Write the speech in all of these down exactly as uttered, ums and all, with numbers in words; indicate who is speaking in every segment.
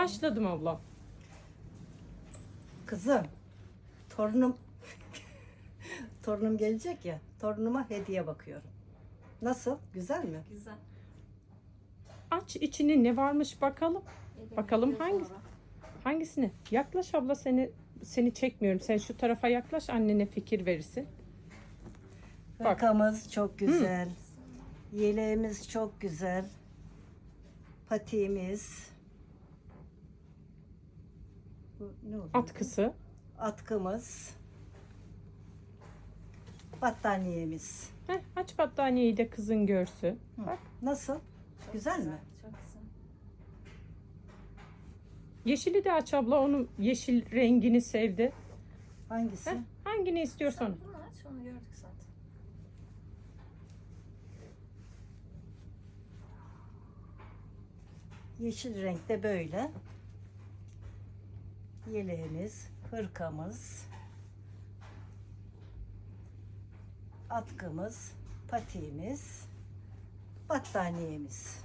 Speaker 1: Başladım abla.
Speaker 2: Kızım, torunum torunum gelecek ya. Torunuma hediye bakıyorum. Nasıl? Güzel mi?
Speaker 3: Güzel.
Speaker 1: Aç içini, ne varmış bakalım.
Speaker 3: Egemen
Speaker 1: Bakalım
Speaker 3: göz
Speaker 1: hangi
Speaker 3: sonra.
Speaker 1: hangisini? Yaklaş abla, seni seni çekmiyorum. Sen şu tarafa yaklaş, annene fikir verirsin. Bak.
Speaker 2: Hırkamız çok güzel. Yeleğimiz çok güzel. Patiğimiz. Bu ne oluyor?
Speaker 1: Atkısı.
Speaker 2: Atkımız. Battaniyemiz.
Speaker 1: Heh, aç battaniyeyi de kızın görsün.
Speaker 2: Hı.
Speaker 1: Bak.
Speaker 2: Nasıl?
Speaker 3: Çok
Speaker 2: Güzel mi?
Speaker 3: Çok güzel.
Speaker 1: Yeşili de aç abla. Onun yeşil rengini sevdi.
Speaker 2: Hangisi?
Speaker 1: Heh, hangini istiyorsan.
Speaker 3: Sen bunu aç, onu gördük zaten.
Speaker 2: Yeşil renkte böyle. Yeleğimiz, hırkamız, atkımız, patiğimiz, battaniyemiz.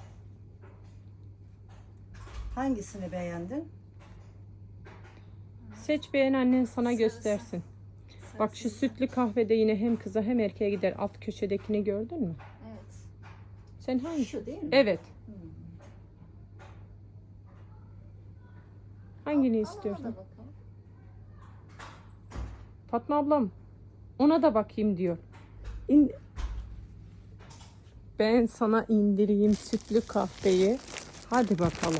Speaker 2: Hangisini beğendin?
Speaker 1: Seç, beğen, annen sana
Speaker 3: Sarısı.
Speaker 1: göstersin. Bak, şu
Speaker 3: Sarısı.
Speaker 1: sütlü kahvede yine hem kıza hem erkeğe gider. Alt köşedekini gördün mü?
Speaker 3: Evet.
Speaker 1: Sen hangi?
Speaker 2: Şu değil mi?
Speaker 1: Evet.
Speaker 2: Hmm.
Speaker 1: Hangini
Speaker 3: Al, al, ona
Speaker 1: istiyorsun?
Speaker 3: da bakalım.
Speaker 1: Fatma ablam ona da bakayım diyor. İn... Ben sana indireyim sütlü kahveyi. Hadi bakalım.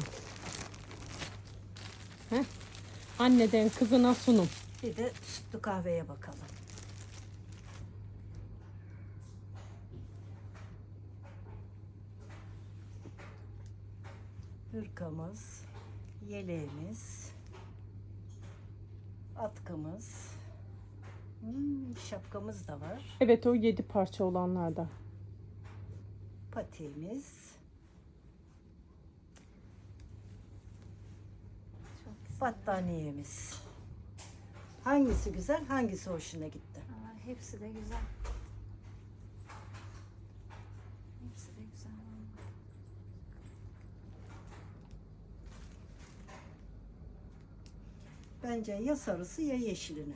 Speaker 1: Heh. Anneden kızına sunum.
Speaker 2: Bir de sütlü kahveye bakalım. Hırkamız, yeleğimiz, atkımız, hmm, şapkamız da var.
Speaker 1: Evet, o yedi parça olanlarda.
Speaker 2: Patiğimiz,
Speaker 3: Çok güzel.
Speaker 2: battaniyemiz. Hangisi güzel, hangisi hoşuna gitti?
Speaker 3: Aa, hepsi de güzel. Hepsi de güzel.
Speaker 2: Bence ya sarısı ya yeşilini.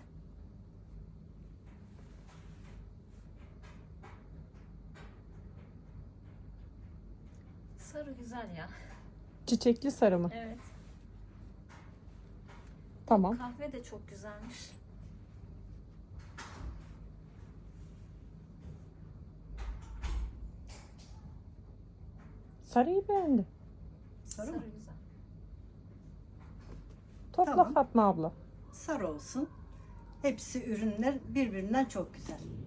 Speaker 3: Sarı güzel ya.
Speaker 1: Çiçekli sarı mı?
Speaker 3: Evet.
Speaker 1: Tamam.
Speaker 3: Kahve de çok güzelmiş.
Speaker 1: Sarıyı beğendim.
Speaker 2: Sarı,
Speaker 3: Sarı
Speaker 2: mı?
Speaker 3: güzel.
Speaker 1: Topla
Speaker 2: Tamam.
Speaker 1: Fatma abla.
Speaker 2: Sarı olsun. Hepsi ürünler birbirinden çok güzel.